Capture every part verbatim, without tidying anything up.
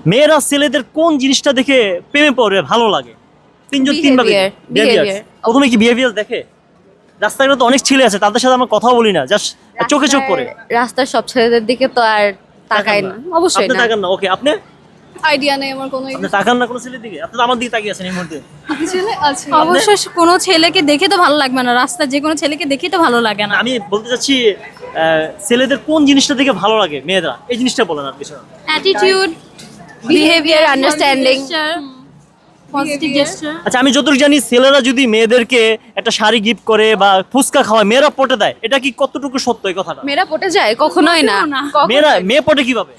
মেয়েরা ছেলেদের কোন জিনিসটা দেখে প্রেমে পড়ে ভালো লাগে? তিনজন তিন ভাবে Behavior, বিহেভিয়ার। behavior. প্রথমে কি বিহেভিয়ার দেখে? রাস্তাঘাটে তো অনেক ছেলে আছে, তাদের সাথে আমরা কথা বলি না, জাস্ট চোখে চোখ করে। রাস্তার- রাস্তার সব ছেলেদের দিকে তো আর তাকাই না, অবশ্যই আপনি না। তাকান না, ওকে। আপনি আইডিয়া নেই আমার কোনো আপনি তাকান না কোনো ছেলের দিকে? আপনি তো আমার দিকে তাকিয়ে আছেন এই মুহূর্তে। ছেলে আছে অবশ্য কোনো ছেলেকে দেখে তো ভালো লাগবে না, রাস্তা যে কোনো ছেলেকে দেখে তো ভালো লাগে না। আমি বলতে চাচ্ছি আহ, ছেলেদের কোন জিনিসটা দেখে ভালো লাগে মেয়েরা, এই জিনিসটা বলেন আর কিছু না। Attitude, behaviour, understanding. Positive gesture. আচ্ছা, আমি যতটুকু জানি ছেলেরা যদি মেয়েদেরকে একটা শাড়ি গিফট করে বা ফুচকা খাওয়ায়, মেয়েরা পটে দেয়, এটা কি কতটুকু সত্য এই কথাটা? মেয়েরা পটে যায়? কখনোই না। কখনো না। কখনোই মেয়েরা মেয়ে পটে কিভাবে?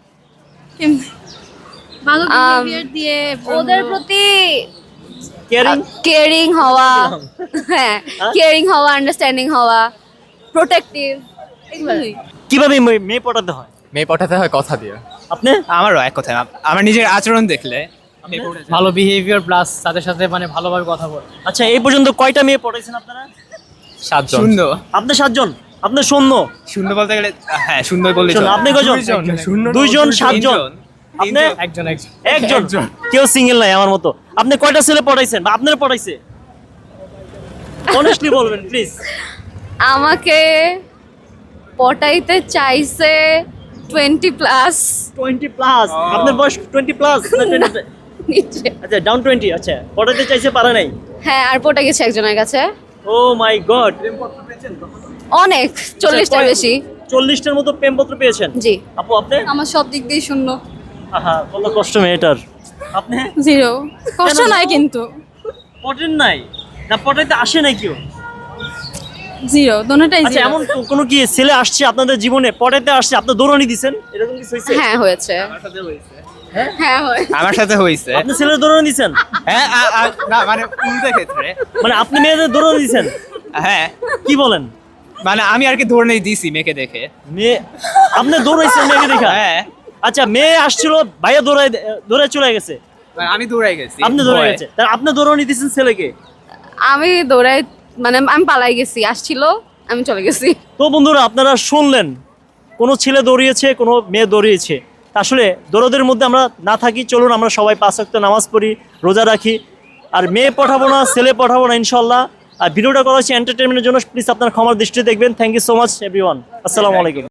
ভালো Um, বিহেভিয়ার দিয়ে ওদের প্রতি কেয়ারিং। কেয়ারিং হওয়া, হ্যাঁ কেয়ারিং হওয়া, আন্ডারস্ট্যান্ডিং হওয়া, প্রোটেক্টিভ, এগুলোই। কিভাবে মে- মেয়ে পটাতে হয়? মেয়ে পটাতে হয় কথা দিয়ে। আপনি আমারও এক কথা, আমার নিজের আচরণ দেখলে ভালো বিহেভিয়ার প্লাস তাদের সাথে মানে ভালোভাবে কথা বলে। আচ্ছা, এই পর্যন্ত কয়টা মেয়ে পটাইছেন আপনারা? সাতজন। শূন্য। আপনি সাতজন? আপনি শূন্য? শূন্য বলতে গেলে হ্যাঁ শূন্য বললে শূন্য। আপনি কয়জন? শূন্য দুইজন, সাতজন। আপনি একজন একজন একজন। কেউ সিঙ্গেল নাই আমার মতো। আপনি কয়টা ছেলে পটাইছেন বা আপনারা পটাইছে? অনেস্টলি বলবেন প্লিজ। আমাকে পটাইতে চাইছে টোয়েন্টি প্লাস টোয়েন্টি প্লাস? আপনার বয়স টোয়েন্টি প্লাস না টোয়েন্টি? নিচে। আচ্ছা, ডাউন টোয়েন্টি। আচ্ছা, পটাইতে চাইছে, পারে নাই? হ্যাঁ, আর পটে গেছে একজনের কাছে ও মাই গড। অনেক, চল্লিশটার বেশি। চল্লিশটার মতো প্রেমপত্র পেয়েছেন? জি। আপু আপনি? আমার সব দিক দিয়ে শূন্য। আহা, কত কষ্ট মেয়েটার। আপনি জিরো, কষ্ট নাই কিন্তু পটেন নাই না, পটাইতে আসে নাই কেউ? জিরো, দোনোটাই আচ্ছা, জিরো। এমন কো- কোনো কি ছেলে আসছে আপনাদের জীবনে, পটাইতে আসছে, আপনি দৌড়ানি দিছেন, এরকম কিছু হয়েছে? হ্যাঁ হয়েছে, হ্যাঁ হয়েছে। আমার সাথে হয়েছে। আপনি ছেলের দৌড়ানি দিছেন? হ্যাঁ আ- আ- না মানে উল্টো ক্ষেত্রে। মানে আপনি মেয়েদের দৌড়ানি দিছেন? হ্যাঁ কি বলেন? মানে আমি আর কি ধরে নেই দিছি মেয়েকে দেখে। মেয়ে আপনি দৌড়াইছেন মেয়েকে দেখা? হ্যাঁ আচ্ছা, মেয়ে আসছিল, ভাইয়া দৌড়াই দৌড়ায় চলে গেছে, মানে আমি দৌড়াই গেছি। আপনি দৌড়াই ভয়ে। গেছে, তার আপনি দৌড়ানি দিছেন ছেলেকে? আমি দৌড়াই, মানে আমি পালাই গেছি, আসছিল আমি চলে গেছি। তো বন্ধুরা, আপনারা শুনলেন, কোনো ছেলে দৌড়িয়েছে, কোনো মেয়ে দৌড়িয়েছে। আসলে দৌড়দের মধ্যে আমরা না থাকি। চলুন আমরা সবাই পাঁচ ওয়াক্ত নামাজ পড়ি, রোজা রাখি, আর মেয়ে পাঠাবো না, ছেলে পাঠাবো না ইনশাল্লাহ। আর ভিডিওটা করা হচ্ছে এন্টারটেনমেন্টের জন্য, প্লিজ আপনার ক্ষমার দৃষ্টিতে দেখবেন। Thank you so much everyone. আসসালামু আলাইকুম।